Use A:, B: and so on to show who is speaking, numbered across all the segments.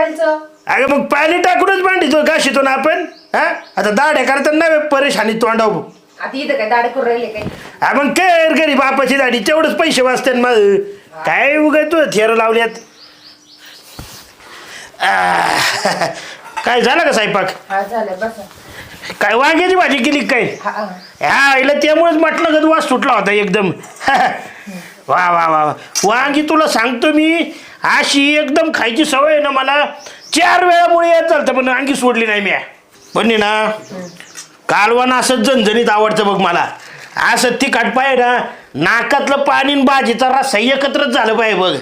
A: मोबाईलचं.
B: अगं मग पाणी टाकूनच भांडीतो घाशितो ना आपण. हा आता दाढ्या करताना नव्हे परेशानी तोंडाव.
A: आता इथं काय दाढे करून राहिले काय?
B: मग कर घरी बापाची दाढी तेवढंच पैसे वाचतात मग. काय उगाच तू थेर लावल्यात. काय झालं का स्वयंपाक?
A: हा झालं बसा.
B: काय वांग्याची भाजी केली काय? हा इला त्यामुळेच म्हटलं का वास सुटला होता एकदम. वा वा वा वांगी तुला सांगतो मी अशी एकदम खायची सवय आहे ना मला. 4 वेळामुळे येत चालतं पण वांगी सोडली नाही मी. पण ना कालवण असं झणझणीत आवडतं बघ मला. असं तिखट पाहिजे ना नाकातलं पाणी भाजीचा रस्सा एकत्रच झालं पाहिजे बघ.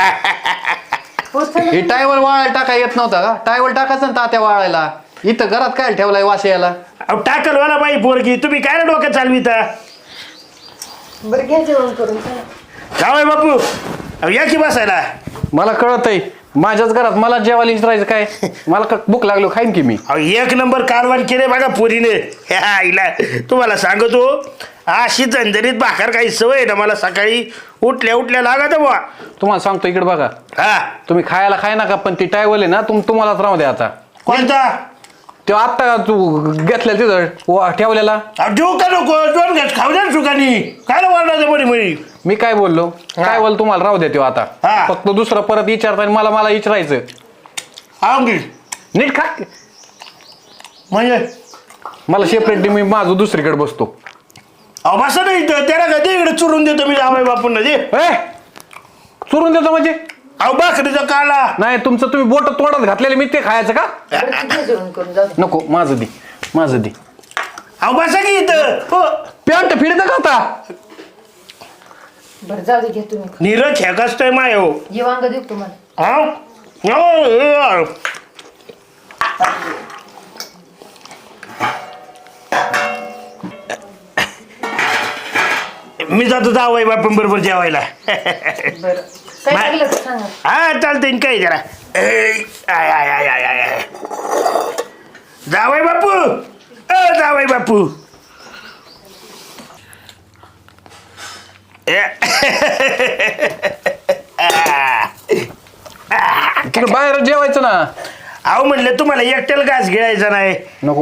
C: हे टायवर वाळायला टाका येत नव्हता का? टायवर टाकायचं ना तात्या वाळायला. इथं घरात काय ठेवलाय वास यायला?
B: अहो टाकल वाला बाई पोरगी तुम्ही काय डोक्यात चालविता?
A: बरं घ्या जेवण करून.
B: जावय बापू अहो या की बसायला.
C: मला कळत आहे माझ्याच घरात मला जेवायला विचारायचं काय? मला भूक लागलो खाईन की मी.
B: अहो 1 नंबर कालवण केले बघा पोरीने. आईला तुम्हाला सांगतो अशी झंझरीत भाकर काही सवय ना मला. सकाळी उठल्या उठल्या लागत बुवा.
C: तुम्हाला सांगतो इकडे बघा.
B: हा
C: तुम्ही खायला खाय नका पण ती टायवल आहे ना तुम्हालाच राहू द्या आता.
B: कोणता?
C: तो आत्ता तू घेतल्या तिथं ठेवलेला.
B: देऊ का नको 2 घास खाऊ द्या सुखानी. काय वाढणार बरी म्हणी.
C: मी काय बोललो? काय बोल तुम्हाला राहू द्या तो आता. फक्त दुसरं परत विचारता मला विचारायचं. नीट खा
B: म्हणजे
C: मला सेपरेट मी माझं दुसरीकडे बसतो.
B: अहो बसा नाही त्याला कधी इकडे चुरून देतो मी जावय बापूंना दे.
C: चुरून देतो म्हणजे?
B: अहो भाकरीचा काला
C: नाही तुमचं तुम्ही बोट तोंडात घातलेले मी ते खायचं का?
A: जेवण करून जाऊ.
C: नको माझं दे माझं दे.
B: अहो बसा की इथं.
C: पॅन्ट फिरतं का आता?
A: बरं जाऊ दे घ्या तुम्ही.
B: नीरज खेकासतोय माय हो.
A: हे वांग देऊ तुम्हाला.
B: हा मी जातो जावय बापूं बरोबर जेवायला.
A: बरं काय लागलं तर सांगा.
B: हा चालतंय काय जरा. आय आय आय आय आय जावय बापू जावय बापू.
C: तिकडे बाहेर जेवायचं ना.
B: अहो म्हणलं तुम्हाला एकट्याला घास गिळायचा नाही.
C: नको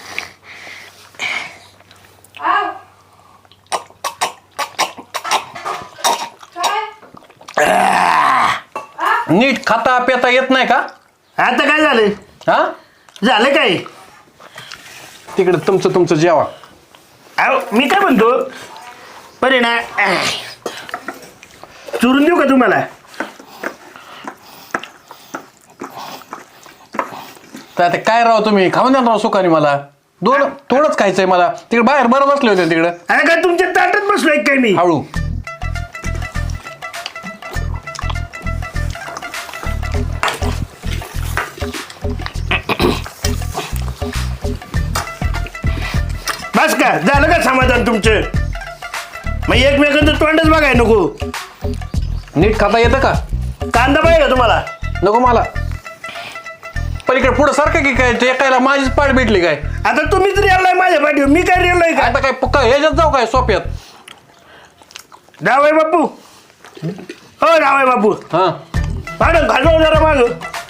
C: नीट खाता पेता येत नाही का?
B: आता काय झालं?
C: हा
B: झालं काय?
C: तिकडे तुमचं जेवा.
B: अहो मी काय म्हणतो बरे ना चुरून देऊ का तुम्हाला?
C: तर आता काय राव तुम्ही खाऊन द्या राव सुखाने. मला थोडंच खायचंय मला. तिकडे बाहेर बरं बसले होते तिकडे.
B: अरे काय तुमच्या ताटात बसलोय काय मी?
C: हळू
B: बस का झालं का समाधान तुमचं? मग एकमेकांचं तोंडच बघाय नको.
C: नीट खाता येतं का?
B: कांदा पाहिजे का तुम्हाला?
C: नको मला. पलीकडे पुढं सारखं की काय एकायला माझीच पाठ भेटली काय?
B: आता तुम्हीच रेललाय माझ्या पाठीवर मी काय रेललाय का?
C: आता काय पक्का ह्याच्यात जाऊ काय सोप्यात?
B: जावय बापू हो जावय बापू.
C: हा
B: मॅडम घालवा जरा माग.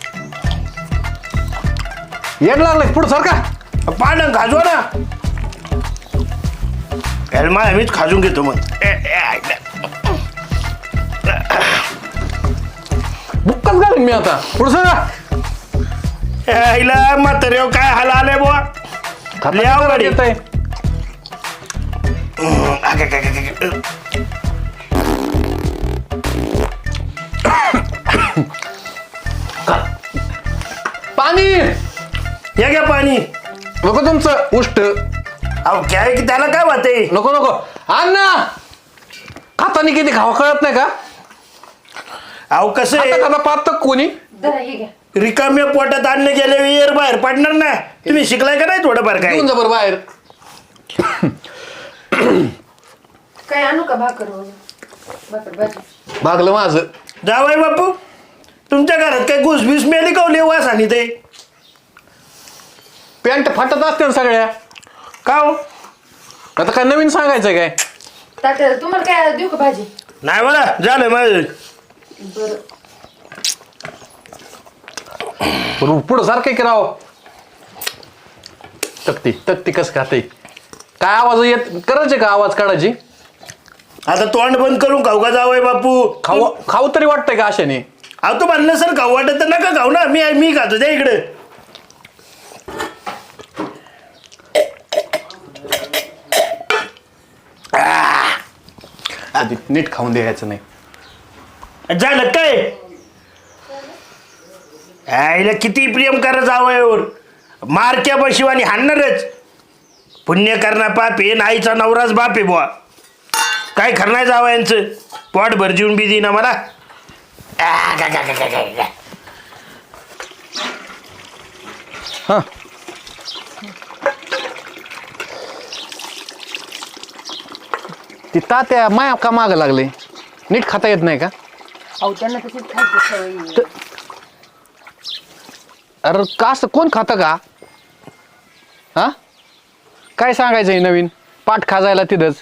C: येड लागलंय पुढं सारखा.
B: पानं खाजवा ना. माझ्या मीच खाजून घेतो मग.
C: बुक्काच घालीन मी आता. पुढं सगळं
B: आईला म्हातारे काय हाल आले बुवा.
C: खाली येत आहे. पाणी
B: हे घ्या पाणी.
C: नको तुमचं उष्ट.
B: अहो काय की त्याला काय वाटते?
C: नको नको अण्णा. खातानी किती खावा कळत नाही का?
B: अहो कसं आहे
C: खाता पाहत कोणी.
A: जरा हे घ्या.
B: रिकाम्या पोटात अन्न गेले वेळ बाहेर पडणार ना. तुम्ही शिकलाय का नाही थोडंफार काय?
C: घेऊन जा बरं बाहेर.
A: काय आणू का भाकर भाकर भाजी?
C: भागलं माझं.
B: जावय बापू तुमच्या घरात काय घुसबीस मेली का वास आणि ते?
C: पॅन्ट फाटत असते ना सगळ्या.
B: का हो?
C: आता काय नवीन सांगायचं काय?
A: तात्या तुम्हाला काय देऊ का भाजी?
B: नाही मला झालं माझं.
A: बरं
C: पुढं सारखं की राव. तक्ती कसं खाते काय आवाज येत करायचे का आवाज काढायची.
B: आता तोंड बंद करून खाऊ का जावय बापू.
C: खाऊ तरी वाटतंय का अशाने.
B: अहो तू म्हणलं सर खाऊ वाटत तर नका खाऊ ना. मी खातो त्या इकडे.
C: नीट खाऊन द्यायचं नाही.
B: झालं काय आईला किती प्रेम करा जावयावर. मारक्या बशिवानी हाणणारच. पुण्य करणार पाप आहे. नाईचा नवराच बाप आहे बुवा. काय खरं जावयांचं. पोट भर जेवून बी देईना मला.
C: हा ती तात्या माया का मागं लागले. नीट खाता येत नाही का.
A: अहो त्यांना तशीच खायची सवय.
C: अरे का असं कोण खातं का. हा काय सांगायचं नवीन पाठ खाजायला तिथंच.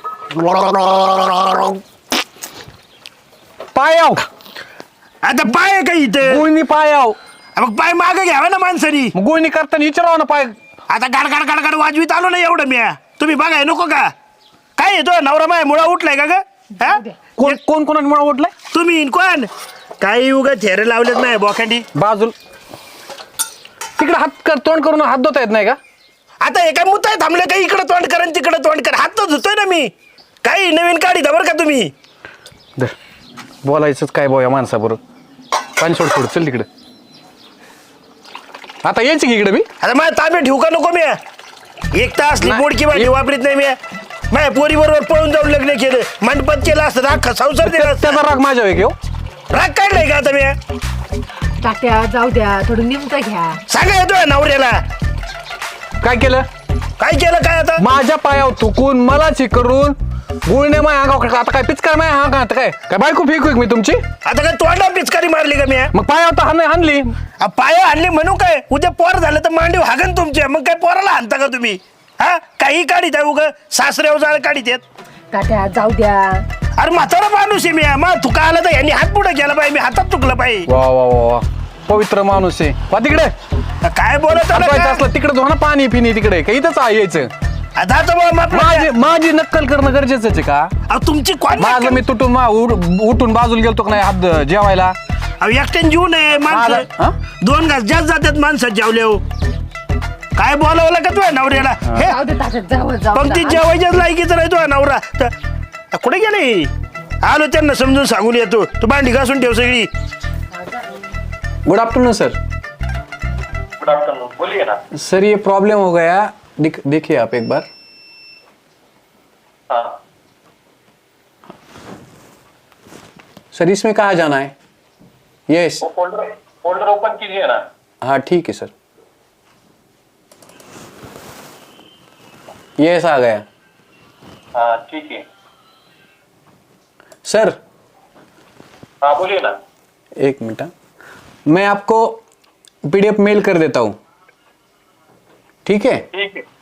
C: पायाव
B: आता पाय आहे का इथं.
C: गुळणी पायाव.
B: मग पाय मागं घ्यावा ना माणसानी.
C: मग गुळणी करताना विचारावं ना पाय.
B: आता गाड वाजवीत आलो ना एवढं मी. तुम्ही बघाय नको का. काय येतो नवरा माय मुळा उठलाय का ग. हा
C: कोण कोणामुळे ओढलाय.
B: तुम्ही कोण काही उगा थेरे लावलेत नाही बोखंडी.
C: बाजूल तिकडे हात तोंड करून हात धुता येत नाही का.
B: आता एका मुताय थांबलं का इकडं तोंड कर आणि तिकडं तोंड कर. हात तर धुतोय ना मी. काही नवीन काढी बरं का तुम्ही.
C: बोलायचंच काय बोया माणसाबरोबर. पाणी सोड चल तिकडे. आता यायचं की इकडे मी.
B: आता माझ्या ताब्यात ठेवू का नको मी. एक तास बोडकी भाजी वापरीत नाही मी. माझ्या पोरी बरोबर पळून जाऊन लग्न केलं. मंडपात केलं असतं अख्खा संसार दिला.
C: त्याचा राग माझ्या वेग
B: राग काढलाय का आता मी.
A: तात्या जाऊ द्या थोडं निमतं घ्या.
B: सांगा येतोय नवऱ्याला.
C: काय केलं
B: काय आता.
C: माझ्या पायावर थुकून मलाच करून गुळणे माय अंगावर. आता काय पिचकार माय हा का काय काय बायको फेकू मी तुमची.
B: आता काय तोंडा पिचकारी मारली का मी.
C: मग पायावर तर हाणली.
B: पाया आणली म्हणू काय. उद्या पोर झालं तर मांडीव हागन तुमच्या. मग काय पोराला हाणता का तुम्ही. हा काही काढीत आहे उगा सासऱ्यावर जाळ काढीत आहेत.
A: तात्या जाऊ द्या.
B: अरे म्हातारा माणूस आहे मी. मग तुका आला तर यांनी हात पुढे गेला पाहिजे. मी हातात चुकलं पाहिजे.
C: वा वा वा पवित्र माणूस आहे. वा तिकडे
B: काय बोलत
C: असलं तिकडे धोना पाणी पिणी तिकडे काही इथंच यायचं. माझी नक्कल करणं गरजेचं आहे का.
B: तुमची
C: माझं मी तुटून उठून बाजूला गेलतो का नाही हात जेवायला.
B: एकट्याने जीव नये माणसं. 2 घास जास्त जातात माणसात जेवले. काय बोलावलं का तुझ्या नवऱ्याला.
A: जाऊ दे तात्या जाऊ
B: पंक्तीत जेवायच्याच लायकीच नाही तुझ्या नवरा. कुठे गेले. आलो त्यांना समजून सांगून येतो. तू भांडी घासून ठेव सगळी.
C: Good afternoon sir.
D: Good afternoon बोलिए ना.
C: सर ये प्रॉब्लम हो गया. देखिए आप एक बार.
D: हाँ
C: सर इसमें कहाँ जाना है. यस
D: वो फोल्डर ओपन कीजिए ना.
C: हाँ ठीक है सर. यस आ गया.
D: हाँ ठीक है.
C: सर
D: हाँ बोलिए ना.
C: एक मिनट. मैं आपको पीडीएफ मेल कर देता हूँ. ठीक है.
D: ठीक है.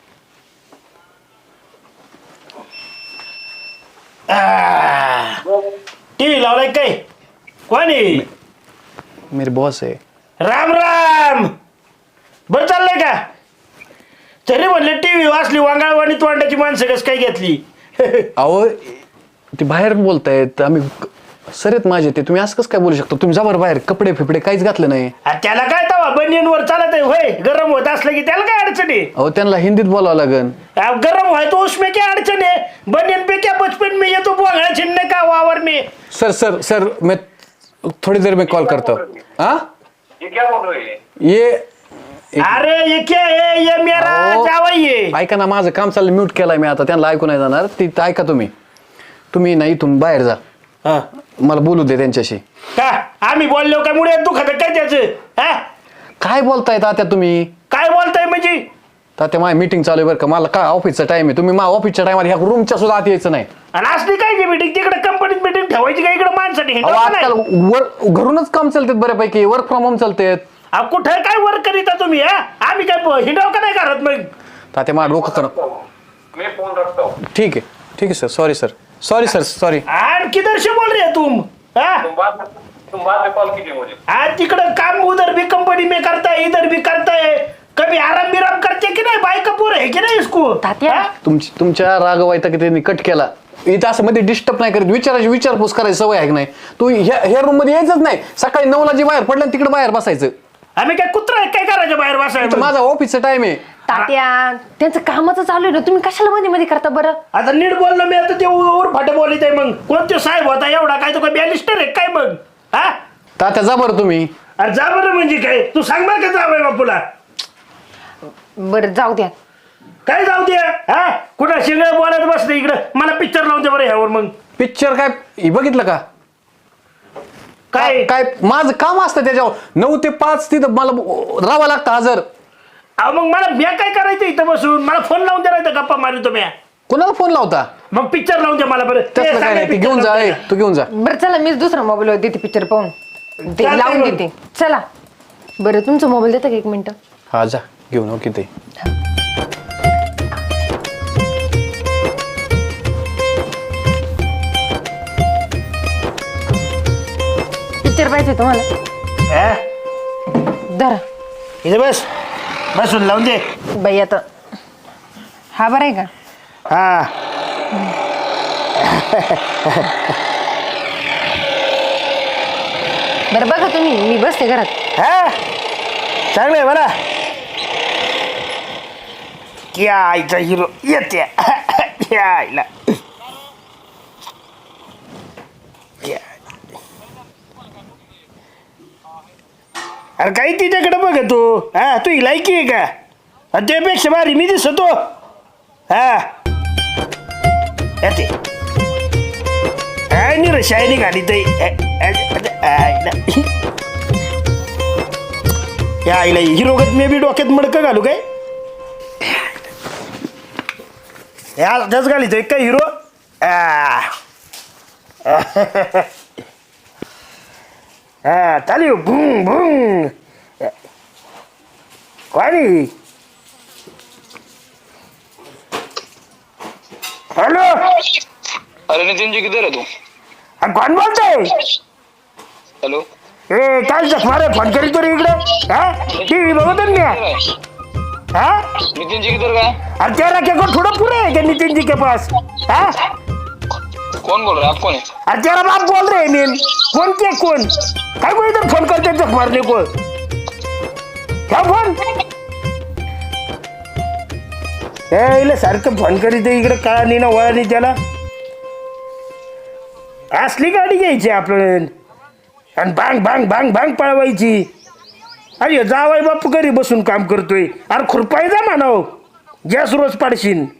B: टीव्ही लावलाय काय. कोणी.
C: मेरे बॉस है.
B: राम राम. बरं चाललंय का. तरी म्हणले टीव्ही वाचली वांगाळवाणी तोंडाची माणसं कस काय घेतली.
C: अहो ते बाहेर बोलतायत. आम्ही सर आहेत माझे ते. तुम्ही असं कसं काय बोलू शकता. तुम्ही जा बरं बाहेर. कपडे फिपडे काहीच घातलं नाही.
B: त्याला काय तवा बनियनवर चालत आहे होय. गरम होत असलं की त्याला काय अडचण आहे.
C: अहो त्यांना हिंदीत बोलावं लागेल.
B: गरम होय तो उसमें क्या अडचण है. बनियन पे क्या बचपन में ये तो बोंगड़ा छिड़ने का वावर में.
C: सर सर सर मैं थोड़ी देर में कॉल करता हूँ. हाँ
D: ये क्या बोल रहे हैं.
C: ये
B: अरे ये क्या है. ये मेरा जावई है.
C: ऐका ना माझं काम चाललं. म्यूट केलाय मी आता. त्यांना ऐकू नाही जाणार. ती ऐका तुम्ही नाही तुम्ही बाहेर जा. मला बोलू दे त्यांच्याशी.
B: का आम्ही बोललो काय मुळे दुखत काय त्याचं.
C: काय बोलताय तात्या तुम्ही.
B: काय बोलताय म्हणजे.
C: तात्या माझी मीटिंग चालू आहे बरं का. मला काय ऑफिसचा टाइम आहे. तुम्ही माझ्या ऑफिसच्या टायमाला ह्या रूमच्या सुद्धा आत यायचं नाही.
B: आणि असली काय मीटिंग तिकडे कंपनीत मीटिंग ठेवायची का इकडे माणसाठी.
C: आजकाल घरूनच काम चालतात बऱ्यापैकी. वर्क फ्रॉम होम चालतात.
B: कुठे काय वर्क करीता तुम्ही. आम्ही काय हिंडाव का नाही करत मग.
C: तात्या माझं डोकं करा.
D: मैं फोन रखता हूँ.
C: ठीक है sir. Sorry sir. Sorry sir. Sorry.
B: आणि किधर से बोल रहे तुम.
D: तुम तुम बाद में कॉल कीजिए मुझे।
B: आज तिकडं काम उधर भी कंपनी में करता है, इधर भी करता है, कभी आराम बिराम करते की नाही, बायका पोर है की नाही इसको?
A: तात्या.
B: हा?
C: तुमच्या राग वाईटा की त्यांनी कट केला इथं असं मध्ये डिस्टर्ब नाही करत विचारपूस करायची सवय आहे की नाही तू ह्या रूम मध्ये यायचंच नाही सकाळी 9ला जी बाहेर पडलं तिकडे बाहेर बसायचं
B: आम्ही काय कुत्रा आहे काय करायचं बाहेर
C: इथं
B: बसायचं?
C: माझा ऑफिसचा टाइम आहे
A: तात्या त्यांचं कामाचं चालू आहे ना, तुम्ही कशाला मध्ये मध्ये करता बरं?
B: आता नीट बोललो मी, आता ते वर फाटे बोलित आहे. मग कोणते साहेब होता एवढा, काय तो काय बॅलिस्टर आहे काय मग? हा
C: तात्या जा बरं तुम्ही
B: अरे जा बरं म्हणजे काय, तू सांग बरं का जावय बापूला.
A: बरं जाऊ द्या.
B: काय जाऊ दे, हा कुठं शिंगळ बोलायला बसलं इकडं, मला पिक्चर लावून दे बरं ह्यावर. मग
C: पिक्चर काय हे बघितलं का
B: काय
C: काय माझं काम असतं त्याच्यावर 9 ते 5 तिथं मला राहावं लागतं हजर
B: अहो मग मला म्या काय करायचं इथं बसून, मला फोन लावून द्या नाही गप्पा मारितो म्या.
C: कोणाला फोन लावता
B: मग पिक्चर लावून द्या मला बरं. ते
C: तसलं काय
B: सांगा
C: नाही ते
B: picture
C: घेऊन जा
B: लावून
C: ए,
B: द्या.
C: तू घेऊन जा
A: बरं चला, मीच दुसरा मोबाईल देते पिक्चर पाहून, ते
B: चालतंय
A: लावून
B: मग.
A: देते. चला बरं, तुमचा मोबाईल देता का 1 मिनिट?
C: हा जा घेऊन ओके ते
A: पिक्चर पाहिजे तुम्हाला?
B: हा?
A: धरा
B: इथं बस, बसून लावून दे.
A: बाई. आता हा बरं आहे का?
B: हा
A: बरं बघा तुम्ही, मी बसते घरात.
B: हा चांगलं आहे बरं. क्या आईचा हिरो येते क्या आईला. अरे काही तिच्याकडे बघ तू, हा तू ही लायकी आहे का? आणि त्यापेक्षा भारी मी दिसतो. हा येते काय नाही रे शायनी घाली ताई. या आईला हिरोगत मी बी डोक्यात मडकं घालू काय? या त्याच घालितोय काय हिरो? हा चालू भुंग भुंग. कोणी? हॅलो,
E: अरे नितिन जी किधर है तू?
B: कोण बोलतोय?
E: हेलो
B: ए काय जखमारे फोन करी तो रे इकडे. हा टीव्ही बघतो ना मी. हाँ
E: नितिन जी किधर गए?
B: अब तेरा क्या को थोड़ा पूरा है क्या नितिन जी के पास? हाँ
E: कौन बोल रहा है? आप कौन है?
B: अब तेरा बाप बोल रहे हैं मीन. कौन के कौन? काय को इधर फोन करते जख मारने को? क्या फोन? ए इले सारखं फोन करी ते इकडे काळा नाही ना वळा नाही त्याला. असली गाडी घ्यायची आपण आणि बांग बांग बांग बांग पळवायची. अरे जावाय बापू घरी बसून काम करतोय. अरे खुरपाय जा म्हणाव, गॅस रोज पाडशीन.